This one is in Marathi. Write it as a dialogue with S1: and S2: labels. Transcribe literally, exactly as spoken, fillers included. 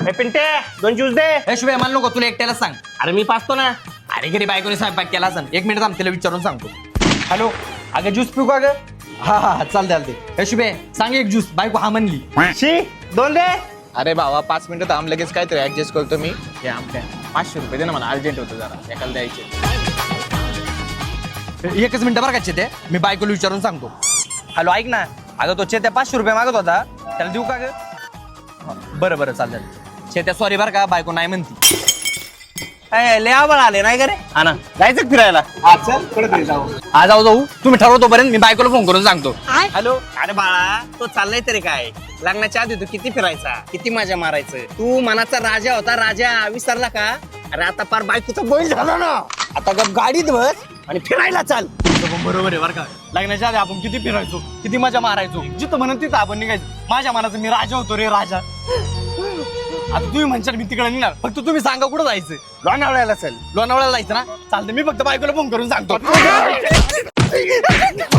S1: ए पिंटे दोन ज्यूस दे.
S2: हे शुभे मला नको, तुला एकट्याला सांग.
S1: अरे मी पाचतो ना.
S2: अरे घरी बायकोने स्वयंपाक केला असेल. एक मिनिट थांब, तिला विचारून सांगतो. हॅलो, अगं ज्यूस पिऊ का ग? हा हा चालते चालते. हे शुभे सांग एक ज्यूस. बायको हा म्हणली.
S1: शी दोन दे.
S3: अरे भावा पाच मिनिटं थांब, लगेच काहीतरी ऍडजस्ट करतो मी. हे आमच्या पाचशे रुपये दे ना, मला अर्जंट होतं जरा, एकाला द्यायचे.
S2: एकच मिनिट बरं का ते, मी बायकोला विचारून सांगतो. हॅलो ऐक ना, अगं तो चेत्या पाचशे रुपये मागत होता, त्याला देऊ का ग? बरं बरं चालेल. चेत्या सॉरी बरं का, बायको नाही म्हणती.
S1: लय आवड आले नाही का रे?
S2: हा ना,
S1: जायचं फिरायला.
S3: हा चल कुठे जाऊ.
S2: हा जाऊ जाऊ, तुम्ही ठरवतो पर्यंत मी बायकोला फोन करून सांगतो.
S1: हॅलो. अरे बाळा तो चाललाय तरी काय, लग्नाच्या आधी तू किती फिरायचा, किती मजा मारायचं. तू मनाचा राजा होता, राजा विसरला का? अरे आता पार बायकोचा बैल झाला ना. आता गप गाडीत बस आणि फिरायला चाल.
S2: बरोबर आहे बरं का, लग्नाच्या आधी आपण किती फिरायचो, किती मजा मारायचो. जिथं म्हणून तिथं आपण निघायचो. माझ्या मनाचं मी राजा होतो रे, राजा. आता तुम्ही म्हणशाल मी तिकडे निघणार, फक्त तुम्ही सांगा कुठं जायचं.
S1: लोणावळ्याला चल.
S2: लोणावळ्याला जायचं ना, चालतं. मी फक्त बायकोला फोन करून सांगतो.